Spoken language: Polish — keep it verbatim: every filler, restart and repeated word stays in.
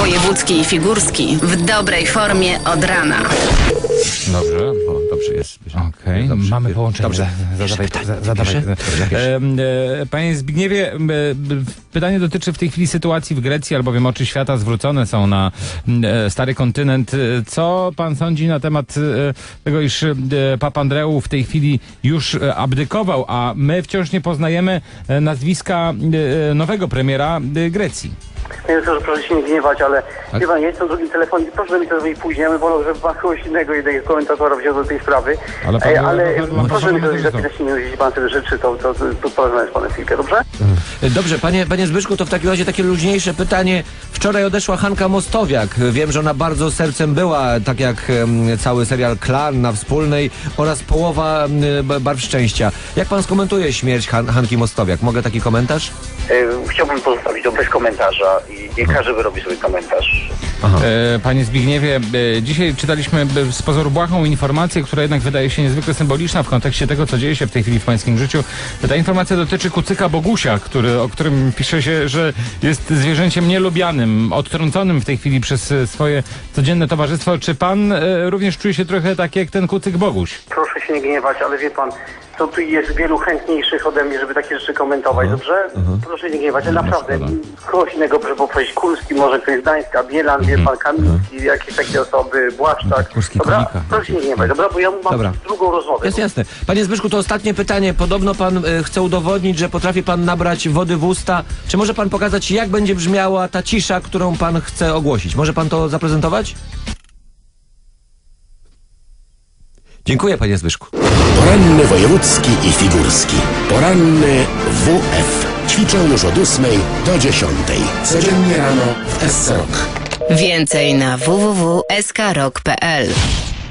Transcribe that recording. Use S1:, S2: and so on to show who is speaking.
S1: Wojewódzki i Figurski w dobrej formie od rana.
S2: Dobrze, o, dobrze jest.
S3: Okej, okay. Mamy połączenie. Dobrze. Zadawaj, za, zadawaj. E, e, Panie Zbigniewie, e, pytanie dotyczy w tej chwili sytuacji w Grecji, albowiem oczy świata zwrócone są na e, stary kontynent. Co pan sądzi na temat e, tego, iż e, Papa Andreu w tej chwili już e, abdykował, a my wciąż nie poznajemy e, nazwiska e, nowego premiera e, Grecji?
S4: Nie wiem, że proszę się nie gniewać, ale wie pan, ja jestem w drugim telefonie, proszę mi to zrobić później, ja bym wolał, żeby pan kogoś innego, jednego komentatora wziął do tej sprawy.
S3: Ale, pan,
S4: e, ale
S3: no, no, no,
S4: proszę mi to
S3: no,
S4: zapisać, jeśli pan sobie życzy, to, to, to, to porozmawiam z panem chwilkę, dobrze?
S2: Dobrze, panie, panie Zbyszku, to w takim razie takie luźniejsze pytanie. Wczoraj odeszła Hanka Mostowiak. Wiem, że ona bardzo sercem była, tak jak um, cały serial Klan na Wspólnej oraz połowa um, Barw Szczęścia. Jak pan skomentuje śmierć Han Hanki Mostowiak? Mogę taki komentarz?
S4: E, chciałbym pozostawić to bez komentarza i, i każdy wyrobi sobie komentarz.
S3: E, Panie Zbigniewie, e, dzisiaj czytaliśmy e, z pozoru błahą informację, która jednak wydaje się niezwykle symboliczna w kontekście tego, co dzieje się w tej chwili w pańskim życiu. Ta informacja dotyczy kucyka Bogusia, który, o którym pisze się, że jest zwierzęciem nielubianym, odtrąconym w tej chwili przez e, swoje codzienne towarzystwo. Czy pan e, również czuje się trochę tak jak ten kucyk Boguś?
S4: Proszę się nie gniewać, ale wie pan, to tu jest wielu chętniejszych ode mnie, żeby takie rzeczy komentować, dobrze? Proszę się nie gniewać, ale naprawdę kogoś innego, żeby powiedzieć Kulski, może ktoś z Gdańska, Bielan, wie pan, Kamilski, jakieś takie osoby, Błaszczak.
S3: Kurski,
S4: Dobra?
S3: komika.
S4: Proszę się nie gniewać, dobra? Bo ja mam
S2: Dobra.
S4: drugą rozmowę.
S2: Jest jasne. Panie Zbyszku, to ostatnie pytanie. Podobno pan y, chce udowodnić, że potrafi pan nabrać wody w usta. Czy może pan pokazać, jak będzie brzmiała ta cisza, którą pan chce ogłosić? Może pan to zaprezentować? Dziękuję, panie Zbyszku.
S5: Poranny wojewódzki i figurski. Poranny W F. Ćwiczą już od ósmej do dziesiątej. Codziennie rano w S C Rock.
S1: Więcej na w w w kropka s k rock kropka p l.